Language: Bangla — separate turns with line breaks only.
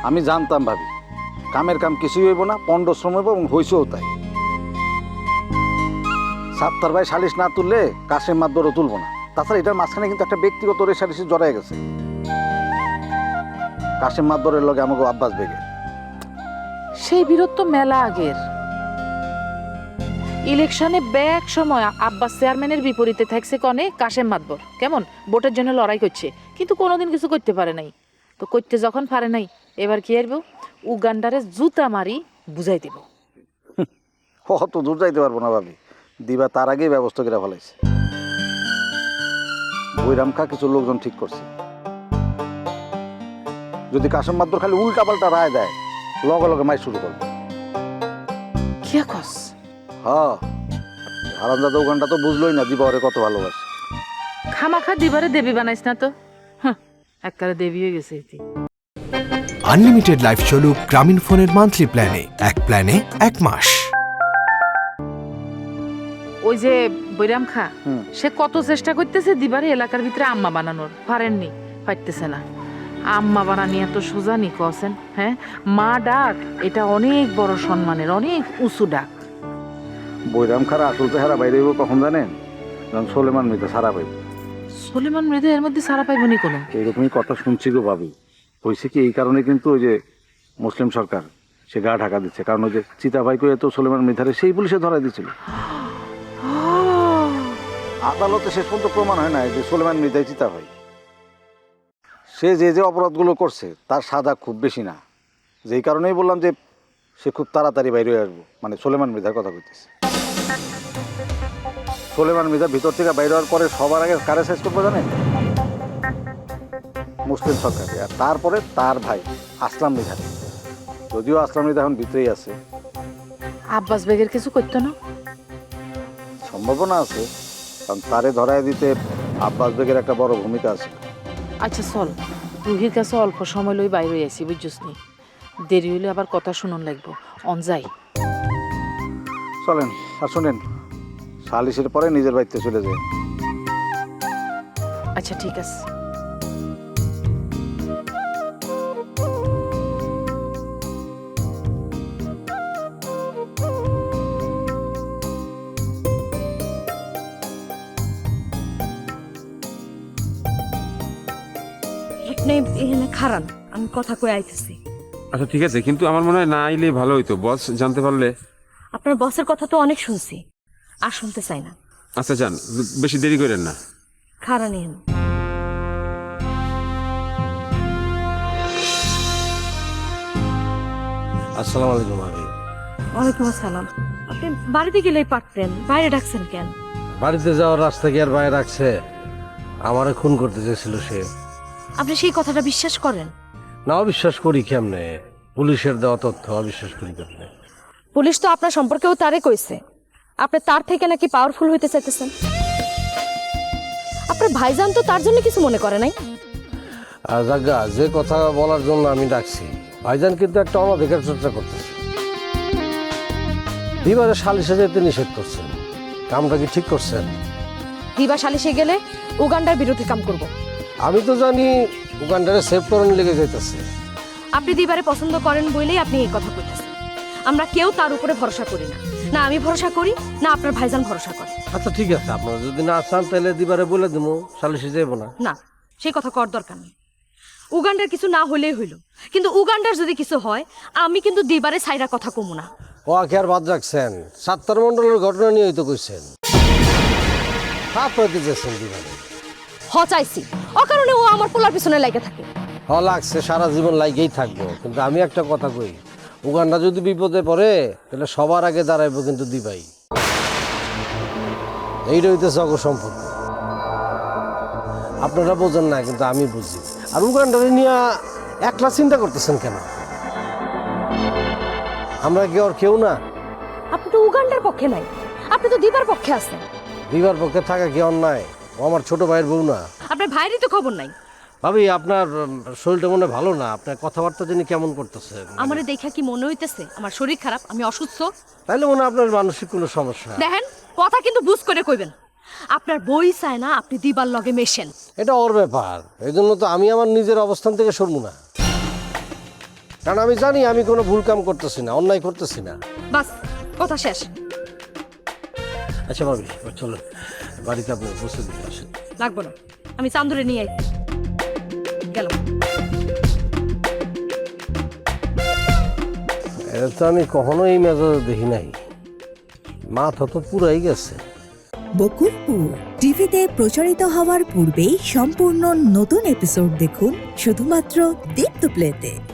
আমি জানতাম ভাবি কামের কাম কিছুই হইব না, পণ্ড শ্রম হইব এবং হইছেও তাই। সাত্তার ভাই সালিশ না তুললে কাশেম মাতবরও তুলবো না। তাছাড়া এটার মাঝখানে কিন্তু একটা ব্যক্তিগত রেষারেষি জড়াই গেছে কাশেম মাতবরের লগে আমাকে আব্বাস বেগে।
সেই বিরোধ তো মেলা আগের। ইলেকশনে ব্যাক সময় আব্বাস চেয়ারম্যানের বিপরীতে থাকছে কনে কাশেম মাতবর, কেমন ভোটের জন্য লড়াই করছে, কিন্তু কোনোদিন কিছু করতে পারে নাই। তো করতে যখন পারে নাই, এবার কি আসবো, উগান্ডারে জুতা মারি বুঝাই দিব।
অত দূর যাইতে পারবো না ভাবি, দিবা তার আগেই ব্যবস্থা করে ফেলাইছে। বৈরাম খা কিছু লোকজন ঠিক করছে, যদি কাশেম মাতবর খালি উল্টা পাল্টা রায় দেয় লগে লগে মাই শুরু করবে।
কিয়া কস?
হ্যাঁ, হারামজাদা উগান্ডা তো বুঝলোই না দিবা ওরে কত ভালোবাসে।
খামাখা দিবারে দেবী বানাইস না তো, একবারে দেবী হয়ে গেছে।
আনলিমিটেড লাইফ চলুক গ্রামীণ ফোনের মান্থলি প্ল্যানে, এক প্ল্যানে 1 মাস।
ওই যে বৈরাম খা, সে কত চেষ্টা করতেছে দিবারে এলাকার ভিতরে আম্মা বানানোর, পারেননি, পারতেছে না। আম্মা বানানি এত সোজা নি কছেন? হ্যাঁ, মা ডাক এটা অনেক বড় সম্মানের, অনেক উঁচু ডাক।
বৈরাম খারা আসল চেহারা বাইরে হইব কখন জানেন? যখন সোলেমান মৃত সারা পাইব।
সলিমান মৃদু এর মধ্যে সারা পাইবনি কোনো?
এইরকমই কথা শুনছি গো ভাবি। হয়েছে কি, এই কারণে কিন্তু ওই যে মুসলিম সরকার সে গা ঢাকা দিচ্ছে, কারণ ওই যে চিতাভাই কয়ে তো সোলেমান মৃধারে সেই পুলিশে ধরাই দিয়েছিল। আদালতে শেষ পর্যন্ত প্রমাণ হয় না যে সোলেমান মৃধাই চিতাভাই। সে যে যে অপরাধগুলো করছে তার সাজা খুব বেশি না, যেই কারণেই বললাম যে সে খুব তাড়াতাড়ি বাইরে আসবো, মানে সোলেমান মৃধার কথা কইতেছে। সোলেমান মৃধা ভিতর থেকে বাইরে হওয়ার পরে সবার আগে কারে শেষ করবো জানেন? মুসলিম সরকারকে, আর তারপরে তার ভাই আসলাম মৃধা। যদিও আসলাম মৃধা এখন ভিতরেই আছে।
আব্বাস বেগের কিছু করতো না?
সম্ভাবনা আছে, কারণ তারে ধরায় দিতে আব্বাস বেগের একটা বড় ভূমিকা আছে।
আচ্ছা চল, রুহির কাছে অল্প সময় লই বাইরে আসি, বুঝছিস নি? দেরি হইলে আবার কথা শুনুন লাগবো। অন যাই।
চলেন, আর শোনেন, সালিশের পরে নিজের বাড়িতে চলে যায়।
আচ্ছা ঠিক আছে।
আপনি এখানে খারান, আমি কথা কয়ে আইতেছি।
আচ্ছা ঠিক আছে, কিন্তু আমার মনে হয় না আইলে ভালো হইতো, বস জানতে পারলে।
আপনার বসের কথা তো অনেক শুনছি, আর শুনতে চাই না।
আচ্ছা যান, বেশি দেরি করেন না।
খারান এখানে।
আসসালামু আলাইকুম ভাবি।
ওয়ালাইকুম আসসালাম। আপনি বাড়িতে গেলেই পারতেন, বাইরে ডাকছেন কেন?
বাড়িতে যাওয়ার রাস্তা কি আর বাইরে রাখছে? আমারে খুন করতে চেয়েছিল সে।
আপনি সেই কথাটা বিশ্বাস করেন?
না, অবিশ্বাস করি কেমনে? পুলিশের দেওয়া তথ্য অবিশ্বাস করি কেমনে?
পুলিশ তো আপনার সম্পর্কেও তারে কইছে আপনি তার থেকে নাকি পাওয়ারফুল হইতে চাইতেছেন। আপনার ভাইজান তো তার জন্য কিছু মনে করে নাই।
জাগা, যে কথা বলার জন্য আমি ডাকছি, ভাইজান কিন্তু একটা অনধিকার চর্চা করতেছে। দিবারে সালিশে যেতে নিষেধ করছেন, কামটা কি ঠিক করছেন?
দিবা সালিশে গেলে উগান্ডার বিরোধী কাম করব।
আমি তো জানি উগান্ডারে সেভ করার লেগে যাইতেছে।
আপনি দিবারে পছন্দ করেন বলেই আপনি এই কথা কইতেছেন। আমরা কেউ তার উপরে ভরসা করি না, না আমি ভরসা করি না আপনার ভাইজান ভরসা করে।
আচ্ছা ঠিক আছে, আপনারা যদি না চান তাহলে দিবারে বলে দেবো সালিশে যাইব না।
না, সেই কথা কর দরকার নেই। উগান্ডার কিছু না হলেই হইল, কিন্তু উগান্ডার যদি কিছু হয় আমি কিন্তু দিবারে সাইরা কথা কমু না।
ও আখি আর বাদ রাখছেন, সাত্তার মন্ডলের ঘটনা নিয়েই তো কইছেন। আপনাকে যেছেন দিবারে
চাইছি অকারণে ও আমার পোলার পিছনে লাগে থাকে।
লাগছে, সারা জীবন লাগেই থাকবো। কিন্তু আমি একটা কথা কই, উগান্ডা যদি বিপদে পড়ে তাহলে সবার আগে দাঁড়াইবো কিন্তু দিবাই। এইটা হইতেছে অগ সম্পর্ক। আপনারা বোঝেন না, কিন্তু আমি বুঝি। আর উগান্ডারে নিয়ে একলা চিন্তা করতেছেন কেন? আমরা কি ওর কেউ না?
আপনি তো উগান্ডার পক্ষে নাই, আপনি তো দিবার পক্ষে আছেন।
দিবার পক্ষে থাকা কি অন্যায়? ও আমার ছোট ভাইয়ের বউ না?
আপনার ভাইয়েরই তো খবর নাই।
ভাবি, আপনার শরীরটা মনে ভালো না, আপনার কথাবার্তা জানি কেমন করতেছে।
আমারে দেখা কি মনে হইতেছে আমার শরীর খারাপ, আমি অসুস্থ?
তাইলে মনে হয় আপনার মানসিক কোনো সমস্যা।
দেখেন, কথা কিন্তু বুঝ করে কইবেন। আপনার বই চায় না আপনি দিবার লগে মেশেন।
এটা ওর ব্যাপার, এই জন্য তো আমি আমার নিজের অবস্থান থেকে সরবো না। কারণ আমি জানি আমি কোনো ভুল কাম করতেছি না, অন্যায় করতেছি না।
বাস, কথা শেষ।
আচ্ছা ভাবি, চলো বাড়িতে আপনি বসে দিতে আসেন।
লাগবো না, আমি চান্দুরে নিয়ে আই গেলাম।
এটা তো আমি কখনো এই মেজাজে দেখি নাই, মাথা তো পুরাই গেছে।
বকুলপুর টিভিতে প্রচারিত হওয়ার পূর্বেই সম্পূর্ণ নতুন এপিসোড দেখুন শুধুমাত্র দীপ্ত প্লেতে।